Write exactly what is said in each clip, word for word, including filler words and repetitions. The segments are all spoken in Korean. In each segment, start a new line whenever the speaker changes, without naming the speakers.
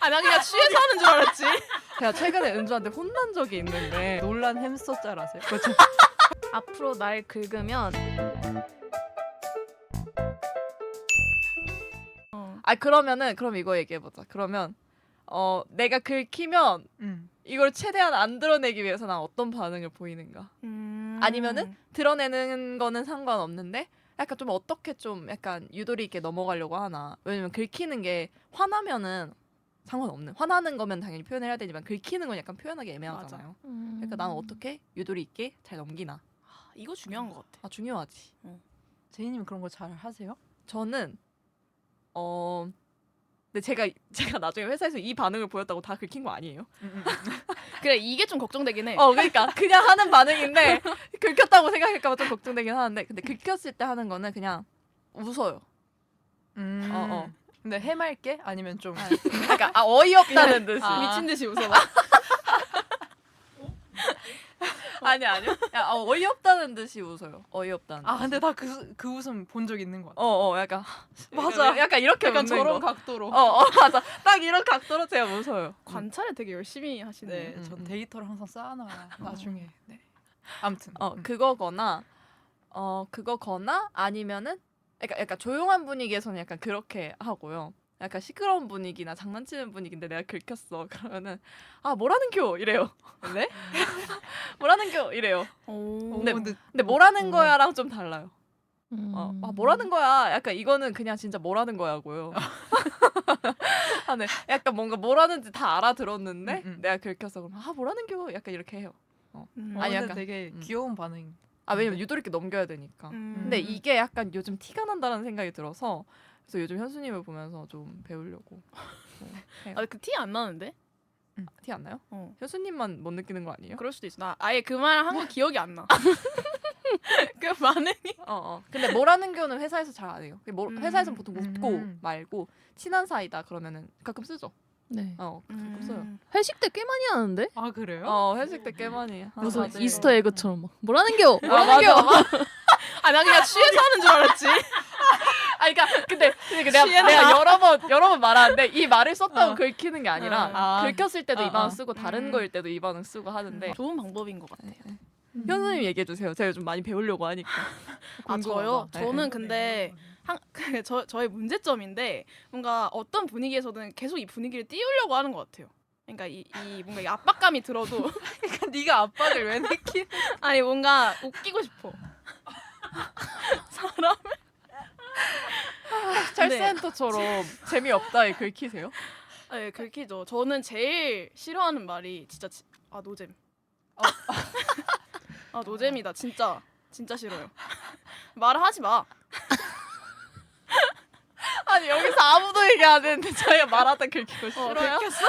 아, 나 그냥 취해서 하는 줄 알았지.
제가 최근에 은주한테 혼난 적이 있는데
놀란 햄스터 짤 아세요?
그렇죠.
앞으로 날 긁으면
아 그러면은 그럼 이거 얘기해보자. 그러면 어 내가 긁히면
음.
이걸 최대한 안 드러내기 위해서 난 어떤 반응을 보이는가?
음...
아니면은 드러내는 거는 상관없는데 약간 좀 어떻게 좀 약간 유도리 있게 넘어가려고 하나? 왜냐면 긁히는 게 화나면은 상관없는. 화나는 거면 당연히 표현을 해야 되지만 긁히는 건 약간 표현하기 애매하잖아요.
음...
그러니까 나는 어떻게 유도리 있게 잘 넘기나?
아, 이거 중요한 것 같아.
아 중요하지.
제이님 그런 거 잘 하세요?
저는 어 근데 제가 제가 나중에 회사에서 이 반응을 보였다고 다 긁힌 거 아니에요.
그래, 이게 좀 걱정되긴 해.
어 그러니까 그냥 하는 반응인데 긁혔다고 생각할까봐 좀 걱정되긴 하는데 근데 긁혔을 때 하는 거는 그냥 웃어요.
음.
어, 어.
근데 해맑게 아니면 좀
아, 그러니까 아 어이없다는 듯이.
아.
미친 듯이 웃어.
아니 아니요. 야, 어, 어이없다는 듯이 웃어요. 어이없다는.
아 근데 나 그 그 웃음 본 적 있는 것 같아.
어어 약간
맞아.
약간 이렇게
약간
웃는
저런
거.
각도로.
어, 어 맞아. 딱 이런 각도로 제가 웃어요.
관찰을 되게 열심히 하시네.
네,
음,
전
음.
데이터를 항상 쌓아놔야 나중에. 네. 아무튼.
어
음.
그거거나 어 그거거나 아니면은 약간 약간 조용한 분위기에서는 약간 그렇게 하고요. 약간 시끄러운 분위기나 장난치는 분위기인데 내가 긁혔어. 그러면은 아 뭐라는겨 이래요.
네?
뭐라는겨 이래요.
오.
근데-
어, 근데
근데 뭐라는
어.
거야랑 좀 달라요.
음...
어, 아 뭐라는 거야. 약간 이거는 그냥 진짜 뭐라는 거야고요. 아, 네. 약간 뭔가 뭐라는지 다 알아들었는데
음, 음.
내가 긁혔어. 그럼 아 뭐라는겨 약간 이렇게 해요.
음.
어,
아니,
근데
약간-
되게
음.
귀여운 반응.
아 왜냐면 유도리 있게 넘겨야 되니까.
음...
근데 이게 약간 요즘 티가 난다는 생각이 들어서 그래서 요즘 현수님을 보면서 좀 배우려고 어, 해요.
아, 그 티 안 나는데?
티 안 나요?
어.
현수님만 못 느끼는 거 아니에요?
그럴 수도 있어. 나 아예 그 말 한 거 기억이 안 나. 그 반응이.
어, 어. 근데 뭐라는 거는 회사에서 잘 안 해요. 뭐,
음.
회사에서는 보통 웃고
음.
말고 친한 사이다 그러면은 가끔 쓰죠.
네.
어, 가끔 써요.
음...
회식 때 꽤 많이 하는데?
아 그래요?
어, 회식 때 꽤 많이 해.
무슨
맞아요.
이스터 에그처럼 막 뭐라는겨?
아, 맞아.
아, 나 그냥 취해서 하는 줄 알았지.
아, 그러니까 근데, 근데 내가,
취했나?
내가 여러 번 여러 번 말하는데 이 말을 썼다고
어.
긁히는 게 아니라
아.
긁혔을 때도
어,
이 반응
어.
쓰고 다른
음.
거일 때도 이 반응 쓰고 하는데
좋은 방법인 것 같아.
현수님 얘기해 주세요. 제가 좀 많이 배우려고 하니까.
아, 저요?
네.
저는 근데 한, 그, 저, 저의 문제점인데 뭔가 어떤 분위기에서든 계속 이 분위기를 띄우려고 하는 것 같아요. 그러니까 이, 이 뭔가 이 압박감이 들어도
그러니까 네가 압박을 왜 느끼?
아니 뭔가 웃기고 싶어. 사람을
찰센터처럼 재미없다에 긁히세요?
네, 긁히죠. 저는 제일 싫어하는 말이 진짜 지, 아 노잼. 아 노잼이다 진짜 진짜 싫어요. 말을 하지 마.
아니 여기서 아무도 얘기 안 했는데 저희가 말하다 긁히고
어,
싫어요?
긁혔어?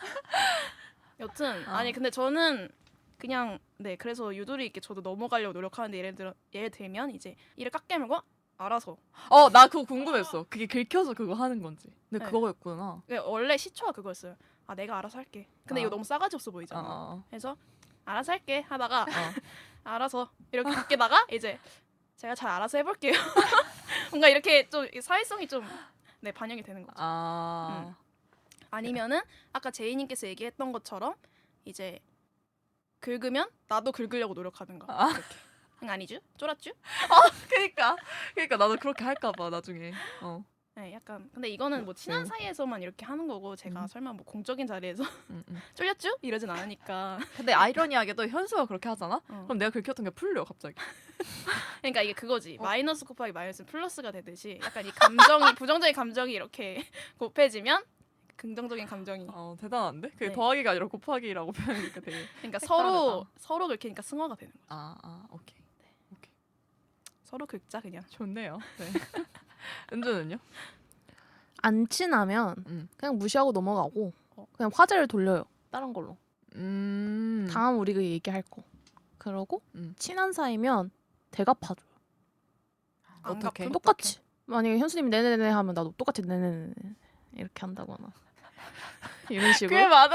여튼
어.
아니 근데 저는 그냥 네 그래서 유도리 있게 저도 넘어가려고 노력하는데 예를 들어 예를 들면 이제 이를 깎게 물고 알아서
어, 나 그거 궁금했어. 그게 긁혀서 그거 하는 건지. 근데
네.
그거였구나.
그러니까 원래 시초가 그거였어요. 아 내가 알아서 할게. 근데
아.
이거 너무 싸가지 없어
어,
보이잖아.
어,
그래서 알아서 할게 하다가
어.
알아서 이렇게 바뀌다가 이제 제가 잘 알아서 해볼게요. 뭔가 이렇게 좀 사회성이 좀 네 반영이 되는 거죠.
아.
아니면은 아까 제이님께서 얘기했던 것처럼 이제 긁으면 나도 긁으려고 노력하든가.
아.
이렇게. 응, 아니죠? 쫄았죠?
그러니까. 그러니까 나도 그렇게 할까 봐 나중에. 어.
네, 약간 근데 이거는 뭐 친한
음.
사이에서만 이렇게 하는 거고 제가
음.
설마 뭐 공적인 자리에서
음, 음.
쫄렸죠? 이러진 않으니까.
근데 아이러니하게도 현수가 그렇게 하잖아?
어.
그럼 내가 긁혔던 게 풀려 갑자기.
그러니까 이게 그거지.
어.
마이너스 곱하기 마이너스 플러스가 되듯이 약간 이 감정이 부정적인 감정이 이렇게 곱해지면 긍정적인 감정이.
어 대단한데? 그게
네.
더하기가 아니라 곱하기라고 표현하니까 되게.
그러니까
색다르다.
서로 서로 긁히니까 승화가 되는 거죠.
아, 아, 오케이.
서로 긁자 그냥.
좋네요. 네. 은주는요?
안 친하면
음.
그냥 무시하고 넘어가고
어.
그냥 화제를 돌려요. 다른 걸로.
음.
다음 우리가 얘기할 거. 그러고
음.
친한 사이면 대갚아줘요.
안
어떡해?
갚으면
똑같이. 만약에 현수님이 네네네 하면 나도 똑같이 네네네 이렇게 한다거나 이런 식으로.
꽤 많은.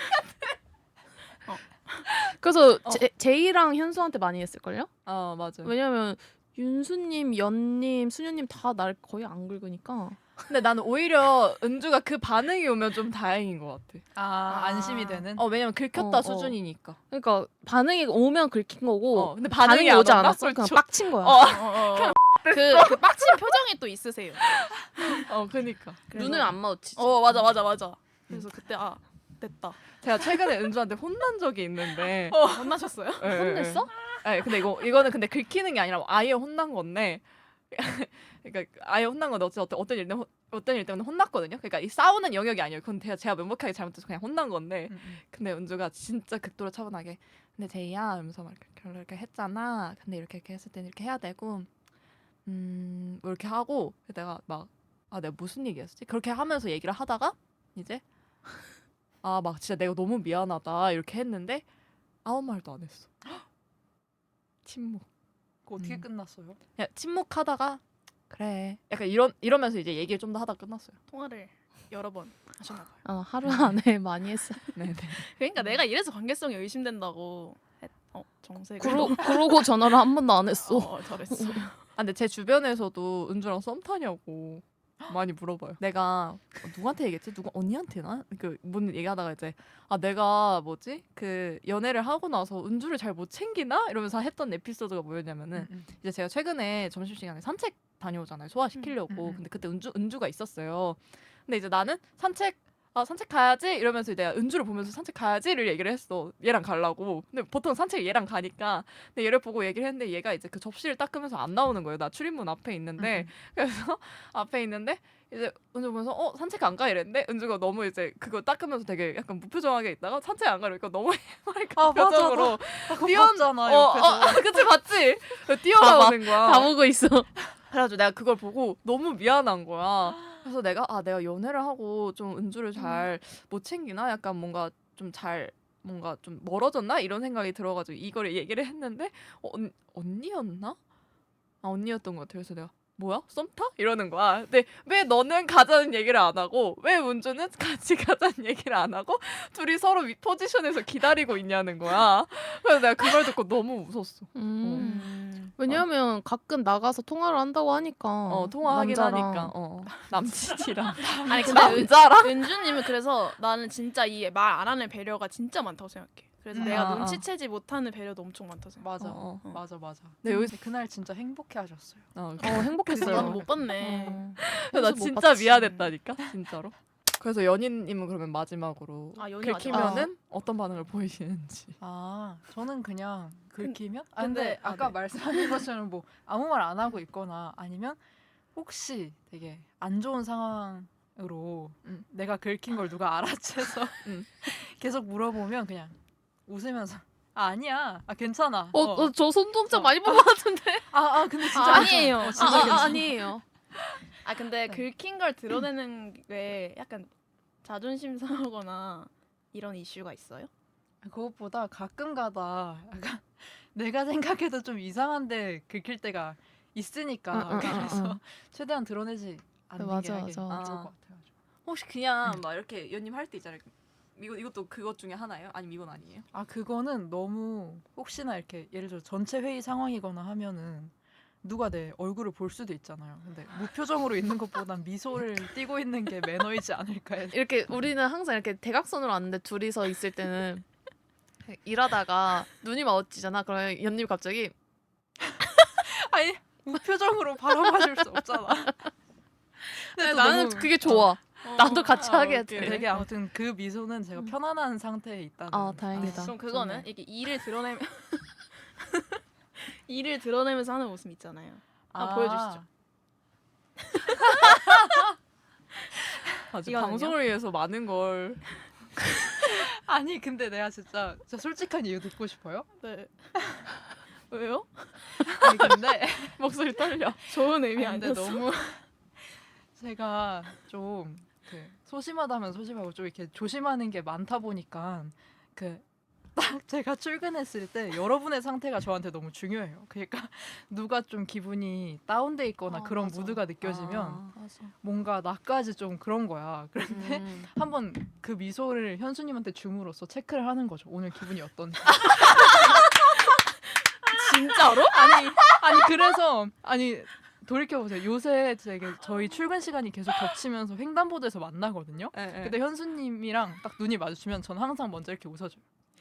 그래서
어.
제, 제이랑 현수한테 많이 했을걸요?
아 맞아.
왜냐면 윤수님, 연님, 수녀님 다 날 거의 안 긁으니까
근데 나는 오히려 은주가 그 반응이 오면 좀 다행인 것 같아.
아,
아.
안심이 되는.
어 왜냐면 긁혔다
어, 어.
수준이니까.
그러니까 반응이 오면 긁힌 거고
어 근데 반응이,
반응이
안
오지
온다?
않았어.
그럼
그냥
저-
빡친 거야.
어.
어, 어, 어. 그, 그 빡친 표정이 또 있으세요.
어 그니까.
그래서-
눈을 안 마주치지.
어 맞아 맞아 맞아. 그래서 그때 아 됐다.
제가 최근에 은주한테 혼난 적이 있는데.
어, 혼나셨어요?
예, 예,
혼냈어?
예. 네, 근데 이거 이거는 근데 긁히는 게 아니라 아예 혼난 건데. 그러니까 아예 혼난 건데 어쨌든 어떤 어떤 일 때문에 혼- 어떤 일 때문에 혼났거든요. 그러니까 이 싸우는 영역이 아니에요. 그건 제가 제가 명백하게 잘못해서 그냥 혼난 건데.
음, 음.
근데 은주가 진짜 극도로 차분하게 근데 제이야 이러면서 막 이렇게 결론 이렇게 했잖아. 근데 이렇게 이렇게 했을 때는 이렇게 해야 되고 음 뭐 이렇게 하고 내가 막 아 내가 무슨 얘기했지? 그렇게 하면서 얘기를 하다가 이제 아 막 진짜 내가 너무 미안하다 이렇게 했는데 아무 말도 안 했어. 침묵.
그거 어떻게
음.
끝났어요?
그냥 침묵하다가 그래 약간 이런 이러면서 이제 얘기를 좀 더 하다 끝났어요.
통화를 여러 번 하셨나 봐요.
아, 하루 안에 많이 했어.
네네.
그러니까 내가 이래서 관계성이 의심된다고. 했, 어 정색을.
그러, 그러고 전화를 한 번도 안 했어.
어, 잘했어.
아 근데 제 주변에서도 은주랑 썸 타냐고 많이 물어봐요. 내가 누구한테 얘기했지? 누가 언니한테나? 그 뭔 얘기하다가 이제 아 내가 뭐지? 그 연애를 하고 나서 은주를 잘 못 챙기나? 이러면서 했던 에피소드가 뭐였냐면은
음, 음.
이제 제가 최근에 점심시간에 산책 다녀오잖아요. 소화시키려고.
음, 음, 음.
근데 그때 은주 은주가 있었어요. 근데 이제 나는 산책 아 산책 가야지 이러면서 내가 은주를 보면서 산책 가야지를 얘기를 했어. 얘랑 가려고. 근데 보통 산책 얘랑 가니까 근데 얘를 보고 얘기를 했는데 얘가 이제 그 접시를 닦으면서 안 나오는 거예요. 나 출입문 앞에 있는데
음,
그래서 앞에 있는데 이제 은주 보면서 어 산책 안 가 이랬는데 은주가 너무 이제 그거 닦으면서 되게 약간 무표정하게 있다가 산책 안 가려니까 너무 해맑은
아, 맞아,
표정으로
아, 그거
뛰어-
봤잖아
어,
옆에서.
어, 그치 봤지? 뛰어나오는 거야.
다 보고 있어.
그래가지고 내가 그걸 보고 너무 미안한 거야. 그래서 내가 아 내가 연애를 하고 좀 은주를 잘 못 챙기나 약간 뭔가 좀 잘 뭔가 좀 멀어졌나 이런 생각이 들어가지고 이거를 얘기를 했는데 어, 언, 언니였나? 아 언니였던 것 같아. 그래서 내가 뭐야 썸 타? 이러는 거야. 근데 왜 너는 가자는 얘기를 안 하고 왜 은주는 같이 가자는 얘기를 안 하고 둘이 서로 윗 포지션에서 기다리고 있냐는 거야. 그래서 내가 그 말 듣고 너무 웃었어.
음.
음.
왜냐하면 가끔 나가서 통화를 한다고 하니까.
어 통화하긴
남자랑.
하니까 어 남친이랑
아니 근데 은,
남자랑
은주님은 그래서 나는 진짜 이 말 안 하는 배려가 진짜 많다고 생각해. 그래서
음.
내가
아, 아.
눈치채지 못하는 배려도 엄청 많다고 생각해.
맞아,
어,
어.
맞아, 맞아.
네, 여기서-
그날 진짜 행복해하셨어요.
어,
어, 행복했어요.
나는 못 봤네.
어.
나
그래서 못
진짜
봤지.
미안했다니까 진짜로. 그래서 연인님은 그러면 마지막으로
아, 연인
긁히면은 어떤 반응을 보이시는지.
아, 저는 그냥 긁히면? 아,
근데-
근데
아,
아까
네.
말씀하신 것처럼 뭐 아무 말 안 하고 있거나 아니면 혹시 되게 안 좋은 상황으로
음.
내가 긁힌 걸 누가 알아채서
음.
계속 물어보면 그냥 웃으면서 아, 아니야. 아, 괜찮아.
어, 어, 저 손동작
어.
많이 본 것 같은데.
아, 아, 근데 진짜
아,
괜찮아.
아니에요.
어,
아,
진짜
아,
괜찮아.
아, 아니에요.
아 근데 긁힌 걸 드러내는 게 약간 자존심 상하거나 이런 이슈가 있어요?
그것보다 가끔가다 약간 내가 생각해도 좀 이상한데 긁힐 때가 있으니까
응, 응, 응,
그래서
응.
최대한 드러내지 않는
맞아,
게 하긴
맞아.
좋을
아.
것 같아요.
혹시 그냥 막 이렇게 연님 할 때 있잖아요. 이거 이것도 그것 중에 하나예요? 아니면 이건 아니에요?
아 그거는 너무 혹시나 이렇게 예를 들어 전체 회의 상황이거나 하면은 누가 내 얼굴을 볼 수도 있잖아요. 근데 무표정으로 있는 것보단 미소를 띠고 있는 게 매너이지 않을까 해서.
이렇게 우리는 항상 이렇게 대각선으로 앉는데 둘이서 있을 때는 일하다가 눈이 마주치잖아. 그러면 연님 갑자기
아니 무표정으로 바라봐줄 수 없잖아. 근데 또
나는
너무-
그게 좋아. 나도 같이
아,
하게
오케이.
돼.
되게 아무튼 그 미소는 제가 편안한 상태에 있다는.
아, 다행이다.
아,
그럼 그거는
정말.
이게 이를 드러내면 이를 드러내면서 하는 모습 있잖아요. 아, 보여주시죠.
아주
이거는요?
방송을 위해서 많은 걸.
아니 근데 내가 진짜 진짜 솔직한 이유 듣고 싶어요.
네. 왜요?
아니 근데
목소리 떨려.
좋은 의미
아니, 근데
아니었어?
너무 제가 좀 그 소심하다면 소심하고 좀 이렇게 조심하는 게 많다 보니까 그 딱 제가 출근했을 때 여러분의 상태가 저한테 너무 중요해요. 그러니까 누가 좀 기분이 다운돼 있거나
아,
그런
맞아.
무드가 느껴지면
아.
맞아.
뭔가 나까지 좀 그런 거야. 그런데
음.
한번 그 미소를 현수님한테 줌으로써 체크를 하는 거죠. 오늘 기분이 어떤지.
진짜로?
아니 아니 그래서 아니 돌이켜 보세요. 요새 되게 저희 출근 시간이 계속 겹치면서 횡단보도에서 만나거든요.
예, 예.
근데 현수님이랑 딱 눈이 마주치면 전 항상 먼저 이렇게 웃어줘요.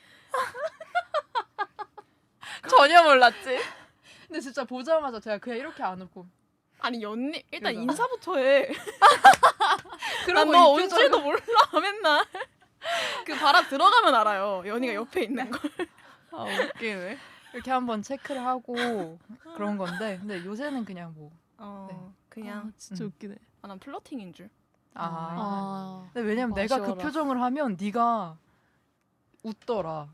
전혀 몰랐지.
근데 진짜 보자마자 제가 그냥 이렇게 안 웃고
아니 연님 일단
그러니까.
인사부터 해.
그러고
난너
이
온
표정은-
줄도 몰라 맨날. 그 바람 들어가면 알아요. 연이가 옆에 있는 걸.
아 웃기네.
이렇게 한번 체크를 하고 그런 건데 근데 요새는 그냥 뭐
어
네.
그냥
아, 진짜
음.
웃기네.
아, 난 플러팅인 줄.
아.
아.
근데 왜냐면 내가 그
아쉬워라.
표정을 하면 네가 웃더라.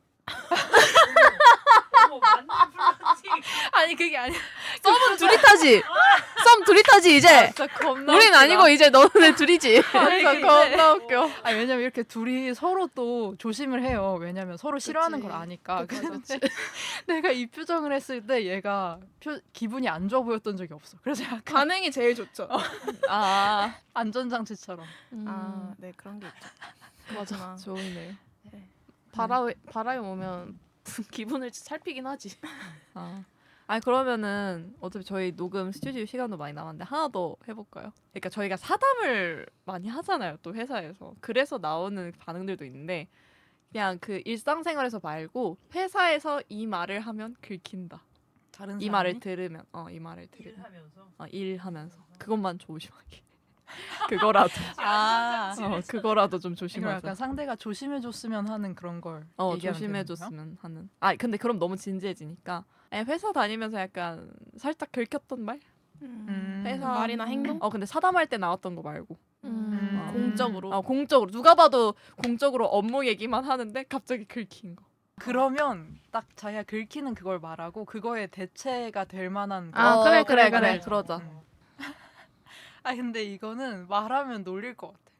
아니 그게 아니야.
썸은 둘이 타지. 썸 둘이 타지 이제.
진짜 겁나.
우린
웃기다.
아니고 이제 너네 둘이지.
진짜
이게
겁나 웃겨.
아니 왜냐면 이렇게 둘이 서로 또 조심을 해요. 왜냐면 서로 싫어하는 걸 아니까. 근데 내가 이 표정을 했을 때 얘가 표, 기분이 안 좋아 보였던 적이 없어. 그래서 약간
반응이 제일 좋죠.
아
안전장치처럼.
아, 네 그런 게 있죠.
맞아. 좋네.
네.
바람 바람이 오면 기분을 살피긴 하지.
아. 아니 그러면은 어차피 저희 녹음 스튜디오 시간도 많이 남았는데 하나 더 해볼까요? 그러니까 저희가 사담을 많이 하잖아요, 또 회사에서. 그래서 나오는 반응들도 있는데 그냥 그 일상생활에서 말고 회사에서 이 말을 하면 긁힌다.
다른
이
사람이?
말을 들으면, 어, 이 말을 들으면, 어, 일하면서 그것만 조심하게. 그거라도,
아.
어, 그거라도 좀
이거
조심하자.
약간 상대가 조심해줬으면 하는 그런 걸
어,
얘기하면 되는 거야?
조심해줬으면 하는. 아, 근데 그럼 너무 진지해지니까. 아니, 회사 다니면서 약간 살짝 긁혔던 말?
음,
회사-
말이나 행동?
어, 근데 사담할 때 나왔던 거 말고.
음.
음.
공적으로.
어, 공적으로. 누가 봐도 공적으로 업무 얘기만 하는데 갑자기 긁힌 거.
그러면 딱 자기가 긁히는 그걸 말하고 그거에 대체가 될 만한
아,
어,
그래,
그래,
그래,
그래.
그래.
그러자.
음. 아 근데 이거는 말하면 놀릴 것 같아.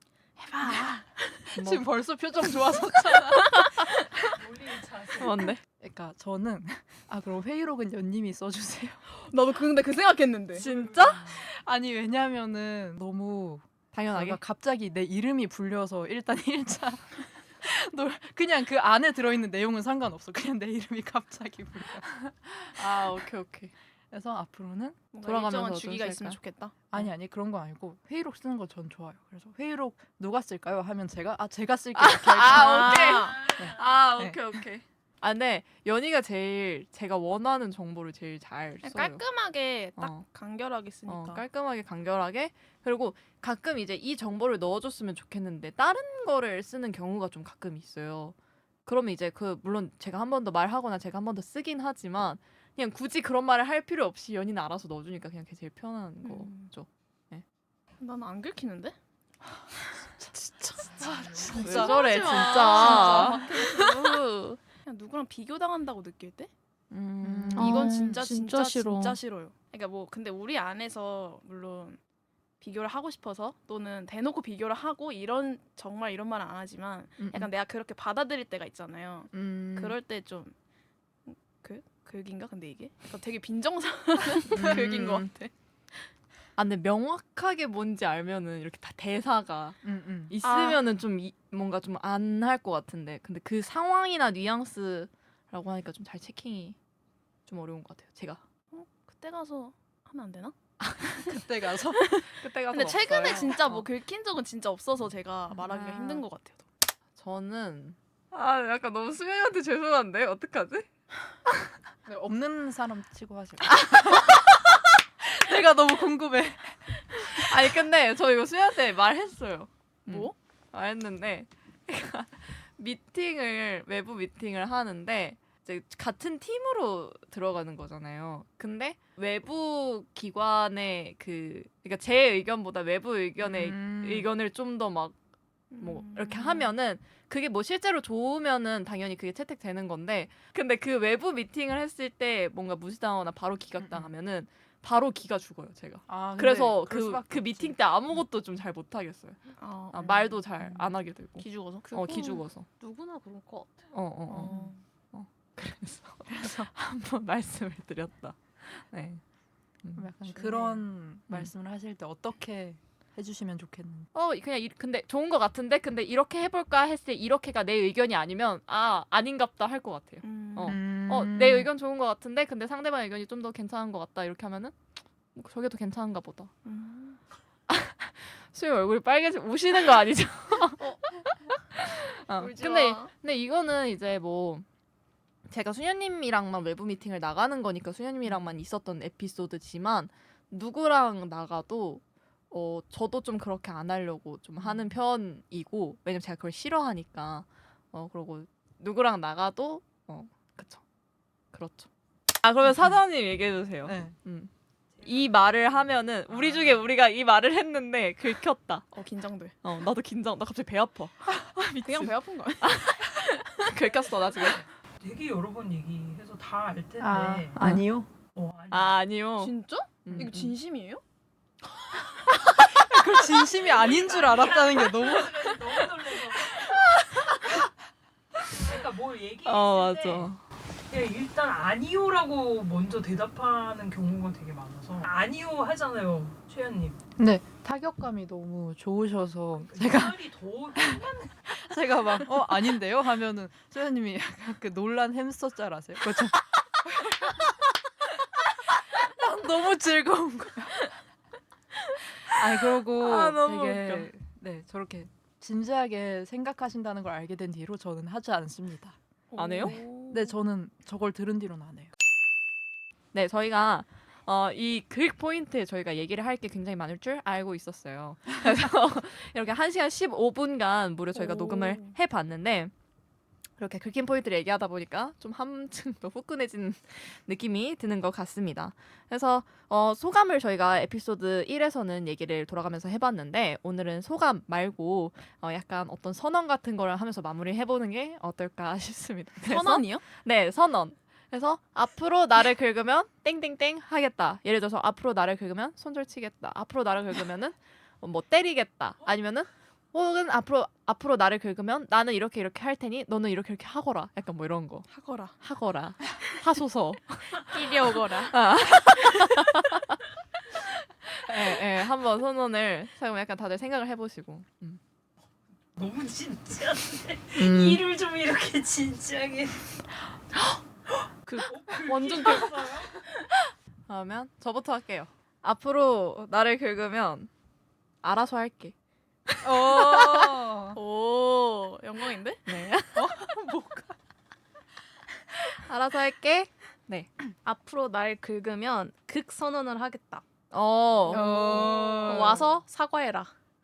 뭐,
지금 벌써 표정 좋아서.
뭔데?
그러니까 저는 아 그럼 회의록은 연님이 써주세요.
나도 그- 근데 그 생각했는데.
진짜?
아니 왜냐면은 너무
당연하게.
내가 갑자기 내 이름이 불려서 일단 일 차 그냥 그 안에 들어있는 내용은 상관없어. 그냥 내 이름이 갑자기 불려.
아, 오케이, 오케이.
그래서 앞으로는
뭔가
돌아가면서
일정한
좀
주기가
쓸까요?
있으면 좋겠다.
아니 아니 그런 거 아니고 회의록 쓰는 거 전 좋아요. 그래서 회의록 누가 쓸까요? 하면 제가 아 제가 쓸게요. 이렇게 할게요.
아, 오케이.
아,
아,
네.
오케이, 오케이. 아, 근데 연희가 제일 제가 원하는 정보를 제일 잘 써요.
깔끔하게 딱
어.
간결하게 쓰니까.
어, 깔끔하게 간결하게. 그리고 가끔 이제 이 정보를 넣어줬으면 좋겠는데 다른 거를 쓰는 경우가 좀 가끔 있어요. 그러면 이제 그 물론 제가 한 번 더 말하거나 제가 한 번 더 쓰긴 하지만 그냥 굳이 그런 말을 할 필요 없이 연희는 알아서 넣어주니까 그냥 그게 제일 편한
음.
거죠.
나는 안 긁히는데?
왜 저래
마.
진짜.
그냥 누구랑 비교당한다고 느낄 때?
음.
아,
이건 진짜
진짜
진짜
싫어.
진짜 싫어요. 그러니까 뭐 근데 우리 안에서 물론 비교를 하고 싶어서 또는 대놓고 비교를 하고 이런 정말 이런 말은 안 하지만
음,
약간 내가 그렇게 받아들일 때가 있잖아요.
음.
그럴 때 좀 그? 긁인가? 근데 이게? 그러니까 되게 빈정상한
음.
긁인 것 같아.
아 근데 명확하게 뭔지 알면은 이렇게 다 대사가
음, 음.
있으면은 좀 이, 뭔가 좀 안 할 것 같은데 근데 그 상황이나 뉘앙스라고 하니까 좀 잘 체킹이 좀 어려운 것 같아요. 제가
어? 그때 가서 하면 안 되나?
그때 가서
그때 가서
근데 최근에
없어요.
진짜 뭐
어.
긁힌 적은 진짜 없어서 제가 말하기가
아.
힘든 것 같아요.
저는 아 약간 너무 수명한테 죄송한데 어떡하지?
네, 없는 사람 치고 하실 내가 너무 궁금해.
아니 근데 저 이거 수명한테 말했어요.
뭐?
말했는데 그러니까 미팅을 외부 미팅을 하는데 이제 같은 팀으로 들어가는 거잖아요. 근데 외부 기관의 그 그러니까 제 의견보다 외부 의견의
음.
의견을 좀 더 막 뭐
음.
이렇게 하면은 그게 뭐 실제로 좋으면은 당연히 그게 채택되는 건데 근데 그 외부 미팅을 했을 때 뭔가 무시당하거나 바로 기각당하면은 바로 기가 죽어요 제가.
아, 근데
그래서
그럴
그,
수밖에
그
없지.
미팅 때 아무것도 좀 잘 못하겠어요.
아,
아,
음.
말도 잘 안 하게 되고.
기 죽어서.
어, 기 죽어서.
누구나 그럴 것 같아.
어, 어, 어.
어.
그래서 한번 말씀을 드렸다. 네. 음.
그럼 약간
중요해요.
그런 말씀을 하실 때 어떻게 해주시면 좋겠는지.
어, 그냥 이, 근데 좋은 것 같은데 근데 이렇게 해볼까 했을 때 이렇게가 내 의견이 아니면 아 아닌갑다 할 것 같아요.
음.
어.
음.
어, 내 의견 좋은 것 같은데 근데 상대방 의견이 좀 더 괜찮은 것 같다 이렇게 하면은 뭐 저게 더 괜찮은가 보다.
음.
수영 얼굴이 빨개지 우시는 거 아니죠? 어,
울지
근데
마.
근데 이거는 이제 뭐 제가 수녀님이랑만 외부 미팅을 나가는 거니까 수녀님이랑만 있었던 에피소드지만 누구랑 나가도 어 저도 좀 그렇게 안 하려고 좀 하는 편이고 왜냐면 제가 그걸 싫어하니까 어 그러고 누구랑 나가도 어 그쵸 그렇죠. 아 그러면 사장님 얘기해 주세요.
네.
음. 이 말을 하면은 우리 중에 우리가 이 말을 했는데 긁혔다.
어 긴장돼.
어 나도 긴장. 나 갑자기 배 아파.
그냥 배 아픈 거 아니야?
긁혔어 나 지금.
되게 여러 번 얘기해서 다 알 텐데.
아 아니요.
어, 아니.
아 아니요.
진짜?
음,
이거
음.
진심이에요?
그 진심이 아닌 줄 알았다는 게 너무.
너무 놀라서. 그러니까 뭘 얘기했을
어
때
맞아.
그냥 일단 아니요라고 먼저 대답하는 경우가 되게 많아서 아니요 하잖아요, 최연님.
네 타격감이 너무 좋으셔서 제가
말이 더
제가 막 어 아닌데요 하면은 소연님이 약간 그 놀란 햄스터 짤 아세요? 그렇죠. 난 너무 즐거운 거야. 아니 그러고
아, 너무
되게 네 저렇게 진지하게 생각하신다는 걸 알게 된 뒤로 저는 하지 않습니다.
안 해요?
네 저는 저걸 들은 뒤로는 안 해요.
네 저희가 어, 이 긁 포인트에 저희가 얘기를 할 게 굉장히 많을 줄 알고 있었어요. 그래서 이렇게 한 시간 십오 분간 무려 저희가
오.
녹음을 해봤는데 그렇게 긁힌 포인트를 얘기하다 보니까 좀 한층 더 후끈해진 느낌이 드는 것 같습니다. 그래서 어, 소감을 저희가 에피소드 일에서는 얘기를 돌아가면서 해봤는데 오늘은 소감 말고 어, 약간 어떤 선언 같은 거를 하면서 마무리해보는 게 어떨까 싶습니다. 그래서
선언이요?
네, 선언. 그래서 앞으로 나를 긁으면 땡땡땡 하겠다. 예를 들어서 앞으로 나를 긁으면 손절 치겠다. 앞으로 나를 긁으면은 뭐 때리겠다. 아니면은 혹은 앞으로 앞으로 나를 긁으면 나는 이렇게 이렇게 할 테니 너는 이렇게 이렇게 하거라. 약간 뭐 이런 거.
하거라.
하거라. 하소서.
이리 오거라.
예, 예. 한번 선언을 잠깐 약간 다들 생각을 해 보시고. 음.
너무 진지한데
음.
일을 좀 이렇게 진지하게.
그
완전
그러면 저부터 할게요. 앞으로 나를 긁으면 알아서 할게.
어.
오 영광인데?
네. 알아서 할게.
앞으로 날 긁으면 극선언을 하겠다.
어.
어.
와서 사과해라.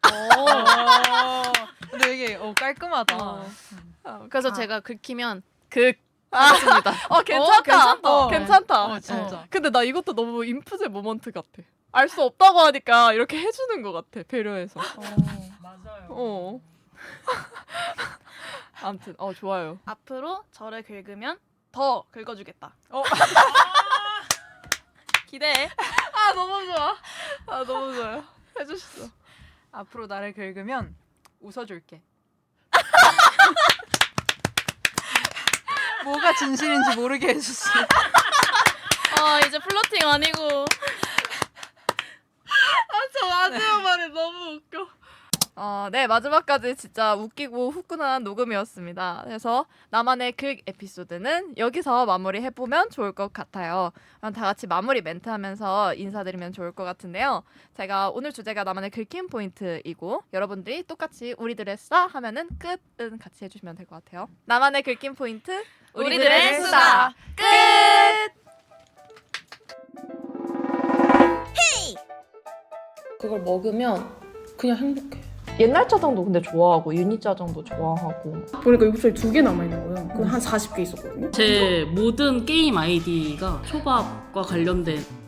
어. 근데 이게 어 깔끔하다.
어.
어, 그래서
아.
제가 긁히면 극
아.
하겠습니다.
어 괜찮다.
괜찮다.
어, 괜찮다.
어, 진짜.
어. 근데 나 이것도 너무 인프제 모먼트 같아. 알 수 없다고 하니까 이렇게 해주는 것 같아. 배려해서.
맞아요.
어. 아무튼 어 좋아요.
앞으로 저를 긁으면 더 긁어주겠다.
어.
기대해.
아 너무 좋아. 아 너무 좋아요. 해주셨어.
앞으로 나를 긁으면 웃어줄게. 뭐가 진실인지 모르게 해주시.
아 이제 플러팅 아니고.
저 마지막 말이 너무 웃겨. 어, 네 마지막까지 진짜 웃기고 후끈한 녹음이었습니다. 그래서 나만의 긁 에피소드는 여기서 마무리해 보면 좋을 것 같아요. 그럼 다 같이 마무리 멘트하면서 인사드리면 좋을 것 같은데요. 제가 오늘 주제가 나만의 긁힌 포인트이고 여러분들이 똑같이 우리들의 수다 하면은 끝은 같이 해주시면 될 것 같아요. 나만의 긁힌 포인트
우리들의 수다
끝.
그걸 먹으면 그냥 행복해.
옛날 짜장도 근데 좋아하고 유니 짜장도 좋아하고.
보니까 육수에 두 개 남아있는 거예요. 그거 한 사십 개 있었거든요.
제 모든 게임 아이디가 초밥과 관련된